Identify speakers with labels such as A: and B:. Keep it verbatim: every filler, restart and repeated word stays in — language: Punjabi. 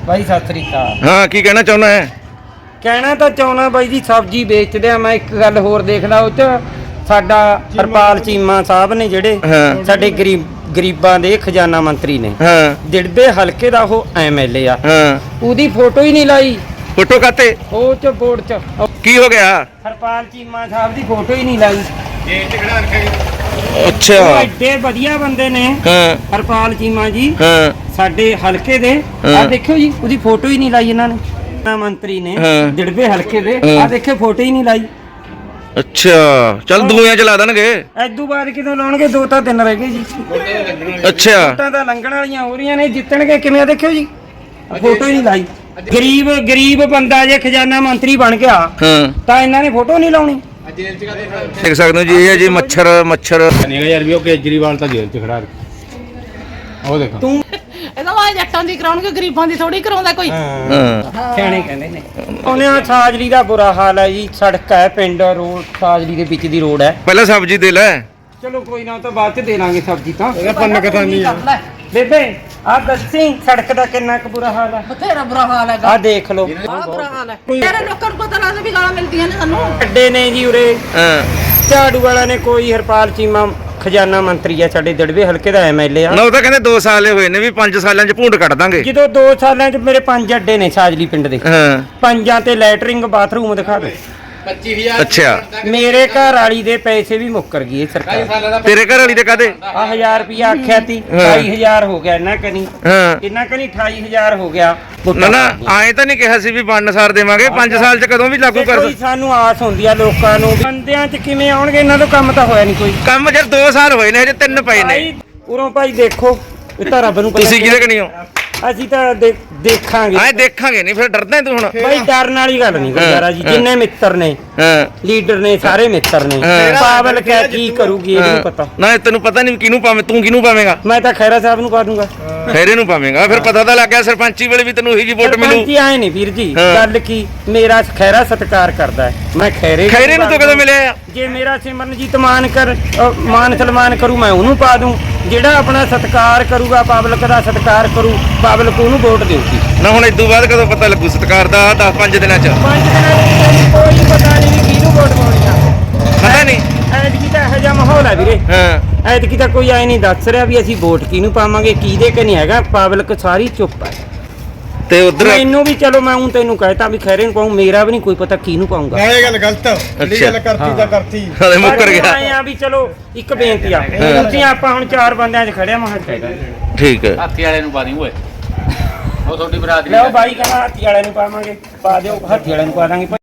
A: ਬਾਈ ਸਤਿ ਸ੍ਰੀ ਅਕਾਲ।
B: ਹਾਂ ਕੀ ਕਹਿਣਾ ਚਾਹੁੰਦਾ ਹੈ?
A: ਕਹਿਣਾ ਤਾਂ ਚਾਹੁੰਦਾ ਬਾਈ ਜੀ ਸਬਜ਼ੀ ਵੇਚਦੇ ਆ। ਮੈਂ ਇੱਕ ਗੱਲ ਹੋਰ ਦੇਖਦਾ ਉਹ ਚ ਸਾਡਾ ਹਰਪਾਲ ਚੀਮਾ ਸਾਹਿਬ ਨੇ ਜਿਹੜੇ ਸਾਡੇ ਗਰੀਬ ਗਰੀਬਾਂ ਦੇ ਖਜ਼ਾਨਾ ਮੰਤਰੀ ਨੇ,
B: ਹਾਂ
A: ਦਿੜਬੇ ਹਲਕੇ ਦਾ ਉਹ ਐਮ ਐਲ ਏ ਆ,
B: ਹਾਂ
A: ਉਹਦੀ ਫੋਟੋ ਹੀ ਨਹੀਂ ਲਾਈ
B: ਫੋਟੋ ਕਾਤੇ?
A: ਉਹ ਚ ਬੋਰਡ ਚ
B: ਕੀ ਹੋ ਗਿਆ?
A: ਹਰਪਾਲ ਚੀਮਾ ਸਾਹਿਬ ਦੀ ਫੋਟੋ ਹੀ ਨਹੀਂ ਲਾਈ।
B: ਅੱਛਾ
A: ਉਹ ਐਡੇ ਵਧੀਆ ਬੰਦੇ ਨੇ
B: ਹਾਂ
A: ਹਰਪਾਲ ਚੀਮਾ ਜੀ,
B: ਹਾਂ
A: ਸਾਡੇ ਹਲਕੇ ਦੇ। ਆ ਦੇਖਿਓ ਜੀ ਉਹਦੀ ਫੋਟੋ ਹੀ ਨਹੀਂ ਲਾਈ ਇਹਨਾਂ ਨੇ, ਮੰਤਰੀ ਨੇ ਦਿੜਬੇ ਹਲਕੇ ਦੇ। ਆ ਦੇਖਿਓ ਫੋਟੋ ਹੀ ਨਹੀਂ ਲਾਈ।
B: ਅੱਛਾ ਚੱਲ ਦੂਆਂ ਚ ਲਾ ਦੇਣਗੇ।
A: ਐਦੂ ਬਾਅਦ ਕਿਦੋਂ ਲਾਉਣਗੇ? ਦੋ ਤਾਂ ਦਿਨ ਰਹਿ ਗਏ ਜੀ।
B: ਅੱਛਾ
A: ਵੋਟਾਂ ਤਾਂ ਲੰਘਣ ਵਾਲੀਆਂ ਹੋ ਰਹੀਆਂ ਨੇ, ਜਿੱਤਣਗੇ ਕਿਵੇਂ? ਆ ਦੇਖਿਓ ਜੀ ਫੋਟੋ ਹੀ ਨਹੀਂ ਲਾਈ। ਗਰੀਬ ਗਰੀਬ ਬੰਦਾ ਜੇ ਖਜ਼ਾਨਾ ਮੰਤਰੀ ਬਣ ਗਿਆ
B: ਹਾਂ
A: ਤਾਂ ਇਹਨਾਂ ਨੇ ਫੋਟੋ ਨਹੀਂ ਲਾਉਣੀ।
B: ਦੇਖ ਸਕਦੇ ਹੋ ਜੀ, ਇਹ ਹੈ ਜੀ ਮੱਛਰ ਮੱਛਰ
C: ਨਹੀਂ ਯਾਰ ਵੀ ਉਹ ਕੇਜਰੀਵਾਲ ਤਾਂ ਜੇਲ੍ਹ 'ਚ ਖੜਾ ਉਹ ਦੇਖੋ
A: ਤੂੰ
D: ਇਹਦਾ ਵਾ ਜੱਟਾਂ ਦੀ ਕਰਾਉਣਗੇ, ਗਰੀਬਾਂ ਦੀ ਥੋੜੀ ਕਰਾਉਂਦਾ ਕੋਈ।
B: ਹਾਂ
A: ਸਿਆਣੇ ਕਹਿੰਦੇ ਨੇ। ਉਹਨੇ ਆ ਸਾਜਲੀ ਦਾ ਬੁਰਾ ਹਾਲ ਹੈ ਜੀ। ਸੜਕ ਹੈ, ਪਿੰਡ ਰੋਡ ਸਾਜਲੀ ਦੇ ਵਿੱਚ ਦੀ ਰੋਡ ਹੈ।
B: ਪਹਿਲਾਂ ਸਬਜ਼ੀ ਦੇ ਲੈ।
A: ਚਲੋ ਕੋਈ ਨਾ, ਉਹ ਤਾਂ ਬਾਅਦ ਚ ਦੇ ਲਾਂਗੇ ਸਬਜ਼ੀ ਤਾਂ।
C: ਇਹਦਾ ਪੰਨ ਕਥਾ ਨਹੀਂ ਆ।
A: ਬੇਬੇ ਆ ਦੱਸੀ ਸੜਕ ਦਾ ਕਿੰਨਾ ਕੁ ਬੁਰਾ ਹਾਲ ਹੈ।
D: ਬਥੇਰਾ ਬੁਰਾ ਹਾਲ ਹੈਗਾ।
A: ਆ ਦੇਖ ਲਓ
D: ਆਹ ਬੁਰਾ ਹਾਲ ਹੈ। ਤੇਰੇ ਲੋਕਾਂ ਨੂੰ ਪਤਾ ਲੱਗਦਾ ਵੀ ਗਾਲਾਂ ਮਿਲਦੀਆਂ ਨੇ ਸਾਨੂੰ।
A: ਅੱਡੇ ਨੇ ਜੀ ਉਰੇ।
B: ਹਾਂ
A: ਝਾੜੂ ਵਾਲਾ ਨੇ ਕੋਈ ਹਰਪਾਲ ਚੀਮਾ ਖਜ਼ਾਨਾ ਮੰਤਰੀ ਆ ਸਾਡੇ ਦਿੜਬੇ ਹਲਕੇ ਦਾ ਐਮ ਐਲ ਏ ਆ।
B: ਨਾ ਉਹ ਤਾਂ ਕਹਿੰਦੇ ਦੋ ਸਾਲ ਹੋਏ ਨੇ ਵੀ ਪੰਜ ਸਾਲਾਂ ਚ ਭੂੰਡ ਕੱਢ ਦਾਂਗੇ।
A: ਜਦੋਂ ਦੋ ਸਾਲਾਂ ਚ ਮੇਰੇ ਪੰਜ ਅੱਡੇ ਨੇ ਸਾਜਲੀ ਪਿੰਡ ਦੇ।
B: ਹਾਂ
A: ਪੰਜਾਂ ਤੇ ਲੈਟਰਿੰਗ ਬਾਥਰੂਮ ਦਿਖਾ ਦੇ।
B: ਅੱਛਾ
A: ਮੇਰੇ ਘਰ ਵਾਲੀ ਦੇ ਪੈਸੇ ਵੀ ਮੁੱਕਰ ਗਏ ਸਰਕਾਰ।
B: ਤੇਰੇ ਘਰ ਵਾਲੀ ਦੇ ਕਾਦੇ?
A: ਆ ਹਜ਼ਾਰ ਰੁਪਿਆ ਆਖਿਆ ਤੀ, ਅਠਾਈ ਹਜ਼ਾਰ ਹੋ ਗਿਆ ਇਹਨਾਂ ਕਨੀ।
B: ਹਾਂ
A: ਇਹਨਾਂ ਕਨੀ ਅਠਾਈ ਹਜ਼ਾਰ ਹੋ ਗਿਆ।
B: ਨਾ ਨਾ ਆਏ ਤਾਂ ਨਹੀਂ ਕਿਹਾ ਸੀ ਵੀ ਵੰਡ ਸਾਰ ਦੇਵਾਂਗੇ, ਪੰਜ ਸਾਲ ਚ ਕਦੋਂ ਵੀ ਲਾਗੂ ਕਰ
A: ਕੋਈ ਸਾਨੂੰ ਆਸ ਹੁੰਦੀ ਆ ਲੋਕਾਂ ਨੂੰ, ਬੰਦਿਆਂ ਚ ਕਿਵੇਂ ਆਉਣਗੇ? ਇਹਨਾਂ ਤੋਂ ਕੰਮ ਤਾਂ ਹੋਇਆ ਨਹੀਂ ਕੋਈ।
B: ਕੰਮ ਜਦ ਦੋ ਸਾਲ ਹੋਏ ਨੇ, ਹਜੇ ਤਿੰਨ ਪਏ ਨੇ।
A: ਭਾਈ ਉਰੋਂ ਭਾਈ ਦੇਖੋ, ਇਹ ਤਾਂ ਰੱਬ ਨੂੰ ਪਤਾ।
B: ਤੁਸੀਂ ਕਿਹਦੇ ਕਣੀ ਹੋ?
A: ਅਸੀਂ ਤਾਂ ਦੇ- ਦੇਖਾਂਗੇ।
B: ਆਏ ਦੇਖਾਂਗੇ ਨਹੀਂ ਫਿਰ ਡਰਦਾ ਤੂੰ ਹੁਣ?
A: ਭਾਈ ਡਰਨ ਵਾਲੀ ਗੱਲ ਨਹੀਂ ਗੁਰਦਾਰਾ ਜੀ। ਜਿੰਨੇ ਮਿੱਤਰ ਨੇ
B: ਹਾਂ
A: ਲੀਡਰ ਨੇ ਸਾਰੇ ਮਿੱਤਰ ਨੇ। ਪਾਵਲ ਕਹਿ ਕੀ ਕਰੂਗੀ ਇਹ ਨਹੀਂ ਪਤਾ।
B: ਨਾ ਤੈਨੂੰ ਪਤਾ ਨਹੀਂ ਕਿਹਨੂੰ ਪਾਵੇਂ, ਤੂੰ ਕਿਹਨੂੰ ਪਾਵੇਂਗਾ?
A: ਮੈਂ ਤਾਂ ਖੈਰਾ ਸਾਹਿਬ ਨੂੰ ਪਾ ਦੂੰਗਾ।
B: ਖੈਰੇ ਨੂੰ ਪਾਵੇਂਗਾ, ਫਿਰ ਪਤਾ ਤਾਂ ਲੱਗ ਗਿਆ ਸਰਪੰਚੀ ਵੇਲੇ ਵੀ ਤੈਨੂੰ ਉਹੀ ਜੀ ਵੋਟ ਮਿਲੂ।
A: ਸਰਪੰਚੀ ਆਏ ਨਹੀਂ ਵੀਰ ਜੀ, ਗੱਲ ਕੀ ਮੇਰਾ ਖੈਰਾ ਸਤਿਕਾਰ ਕਰਦਾ ਹੈ। ਮੈਂ ਖੈਰੇ
B: ਖੈਰੇ ਨੂੰ ਤਾਂ ਕਦੋਂ ਮਿਲਿਆ?
A: ਜੇ ਮੇਰਾ ਸਿਮਰਨਜੀਤ ਮਾਨ ਕਰ ਅ, ਮਾਨ ਸਨਮਾਨ ਕਰੂ ਮੈਂ ਉਹਨੂੰ ਪਾ ਦੂੰ। ਜਿਹੜਾ ਆਪਣਾ ਸਤਿਕਾਰ ਕਰੂਗਾ, ਪਬਲਿਕ ਦਾ ਸਤਿਕਾਰ ਕਰੂ, ਪਬਲਿਕ ਉਹਨੂੰ ਵੋਟ ਦੇਊਗੀ।
B: ਨਾ ਹੁਣ ਇਦੋਂ ਬਾਅਦ ਕਦੋਂ ਪਤਾ ਲੱਗੂ ਸਤਿਕਾਰ ਦਾ? ਦਸ ਪੰਜ ਦਿਨਾਂ ਚ
A: ਪੰਜ ਦਿਨਾਂ ਵਿੱਚ ਕੋਈ ਪਤਾ ਨਹੀਂ ਵੀ ਕਿਹਨੂੰ ਵੋਟ ਪਾਉਣੀ ਆ।
B: ਪਤਾ ਨਹੀਂ।
A: ਐਤਕੀ ਤਾਂ ਇਹੋ ਜਿਹਾ ਮਾਹੌਲ ਹੈ ਵੀਰੇ।
B: ਹਾਂ
A: ਐਤਕੀ ਤਾਂ ਕੋਈ ਆਏ ਨਹੀਂ ਦੱਸ ਰਿਹਾ ਵੀ ਅਸੀਂ ਵੋਟ ਕਿਹਨੂੰ ਪਾਵਾਂਗੇ, ਕਿਹਦੇ ਕਿ ਨਹੀਂ ਹੈਗਾ। ਪਬਲਿਕ ਸਾਰੀ ਚੁੱਪ ਹੈ।
B: ਤੇ ਉਧਰ
A: ਮੈਨੂੰ ਵੀ ਚਲੋ ਮੈਂ ਹੁਣ ਤੈਨੂੰ ਕਹਿਤਾ ਵੀ ਖੈਰੇ ਨੂੰ ਪਾਉਂ, ਮੇਰਾ ਵੀ ਨਹੀਂ ਕੋਈ ਪਤਾ ਕਿਹਨੂੰ ਪਾਉਂਗਾ।
C: ਇਹ ਗੱਲ ਗਲਤ ਜਿਹੜੀ ਗੱਲ ਕਰਤੀ ਤਾਂ ਕਰਤੀ।
B: ਹਲੇ ਮੁੱਕਰ ਗਿਆ।
A: ਆਏ ਆ ਵੀ ਚਲੋ ਇੱਕ ਬੇਨਤੀ ਆ, ਤੁਸੀਂ ਆਪਾਂ ਹੁਣ ਚਾਰ ਬੰਦਿਆਂ 'ਚ ਖੜਿਆ ਮਹਾਂ ਚਾਹੀਦਾ।
B: ਠੀਕ ਹੈ।
E: ਹਾਥੀ ਵਾਲੇ ਨੂੰ ਪਾ ਦੀ ਓਏ, ਉਹ ਤੁਹਾਡੀ ਬਰਾਦਰੀ
A: ਲਓ ਬਾਈ ਕਹਿੰਦਾ ਹਾਥੀ ਵਾਲੇ ਨੂੰ ਪਾਵਾਂਗੇ, ਪਾ ਦਿਓ। ਹਾਥੀ ਵਾਲੇ ਨੂੰ ਪਾ ਦਾਂਗੇ।